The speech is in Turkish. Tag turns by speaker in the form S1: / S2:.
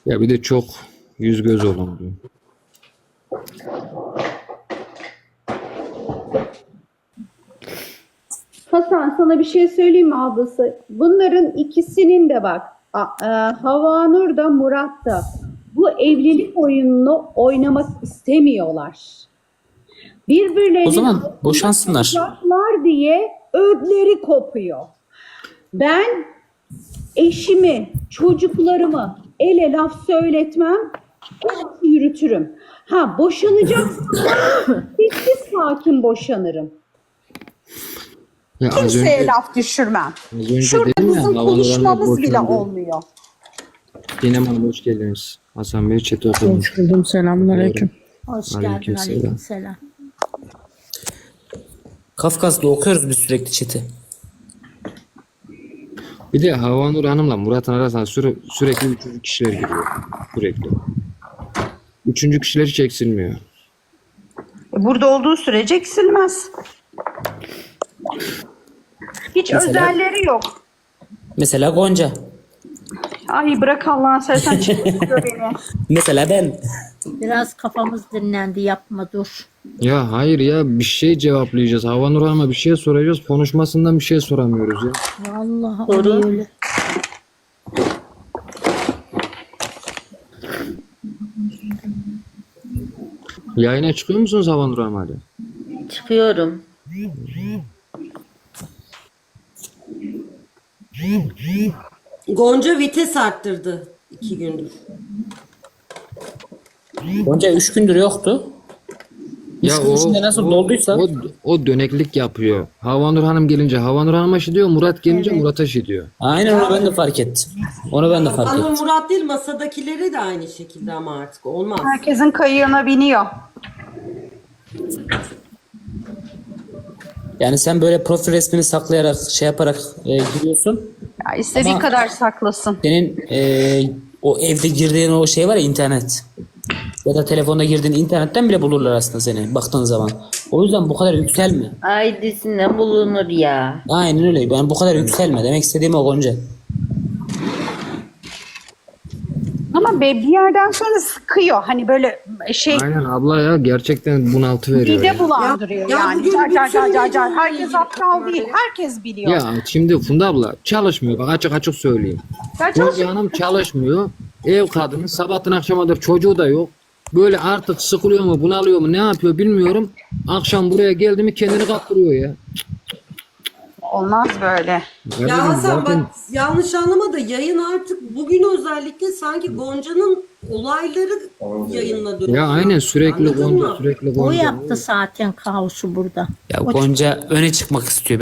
S1: Ya bir de çok yüz göz olan diyor.
S2: Hasan, sana bir şey söyleyeyim mi ablası? Bunların ikisinin de bak, Havanur da Murat da bu evlilik oyununu oynamak istemiyorlar. Birbirlerini
S3: O zaman boşansınlar.
S2: aldatacaklar diye ödleri kopuyor. Ben eşimi, çocuklarımı ele laf söyletmem, yürütürüm. Ha, boşanacaksam sessiz sakin boşanırım.
S1: Ya az
S2: Kimseye
S1: önce,
S2: laf düşürmem.
S1: az önce
S2: Şurada
S1: dedim ya,
S2: bizim
S1: Havanur
S2: konuşmamız
S1: Hanım
S2: bile
S1: boşandı.
S2: olmuyor.
S1: Sinem Hanım hoş geldiniz. Hasan Bey chat'i okumuş.
S4: Hoş buldum. Selamünaleyküm.
S5: Hoş geldin,
S1: Aleykümselam.
S5: aleykümselam.
S3: Kafkas'ta okuyoruz biz sürekli chat'i.
S1: Bir de Havanur Hanım'la Murat'ın arasında sürekli üçüncü kişiler giriyor. Sürekli. Üçüncü kişiler hiç eksilmiyor.
S2: Burada olduğu sürece eksilmez. Hiç
S3: Mesela-
S2: özelleri yok.
S3: Mesela Gonca.
S2: Ay bırak Allah'ını seversen çıkıyor beni.
S3: Mesela ben.
S5: Biraz kafamız dinlendi, yapma dur.
S1: Ya hayır ya, bir şey cevaplayacağız. Havanur Hanım'a bir şey soracağız. Konuşmasından bir şey soramıyoruz ya.
S5: Vallahi öyle.
S1: Yayına çıkıyor musunuz Havanur Hanım hadi?
S6: Çıkıyorum. Gonca vites arttırdı 2 gündür.
S3: Gonca 3 gündür yoktu.
S1: Ya
S3: Üç gün içinde nasıl dolduysa.
S1: o döneklik yapıyor. Havanur Hanım gelince Havanur Hanım'a şey diyor, Murat gelince Murat'a şey diyor.
S3: Aynen onu ben de fark ettim. Onu ben de fark
S6: Ama
S3: ettim.
S6: Murat değil, masadakileri de aynı şekilde ama artık olmaz.
S2: Herkesin kayığına biniyor.
S3: Yani sen böyle profil resmini saklayarak şey yaparak giriyorsun.
S2: Ya istediği
S3: Ama-
S2: kadar saklasın.
S3: Senin o evde girdiğin o şey var ya, internet. Ya da telefonda girdiğin internetten bile bulurlar aslında seni baktığın zaman. O yüzden bu kadar yükselme.
S6: Aydısına bulunur ya.
S3: Aynen öyle. Ben bu kadar yükselme. Demek istediğim o Gonca.
S2: Ama bir yerden sonra sıkıyor. Hani böyle şey
S1: Aynen abla ya, gerçekten bunaltı veriyor.
S2: mide
S1: Ya.
S2: bulandırıyor
S6: Ya
S2: yani.
S6: bugün
S2: Car car
S6: bütün
S2: car car
S6: video
S2: car. Herkes
S6: ilgili
S2: aptal değil. Herkes biliyor.
S1: Ya şimdi Funda abla çalışmıyor, bak açık açık söyleyeyim.
S2: Ya
S1: Gonca Hanım çalışmıyor. Ev kadını, sabahtan akşama kadar çocuğu da yok. Böyle artık sıkılıyor mu, bunalıyor mu, ne yapıyor bilmiyorum. Akşam buraya geldi mi kendini kaptırıyor ya.
S2: Olmaz böyle.
S1: Kardeşim
S6: Ya Hasan
S1: zaten
S6: bak, yanlış anlama da yayın artık bugün özellikle sanki Gonca'nın olayları yayınla dönüyor.
S1: ya aynen sürekli
S6: Anladın
S1: Gonca,
S6: mı?
S1: sürekli
S5: O
S1: Gonca.
S5: yaptı zaten kaosu burada.
S3: Ya Gonca öne çıkmak istiyor.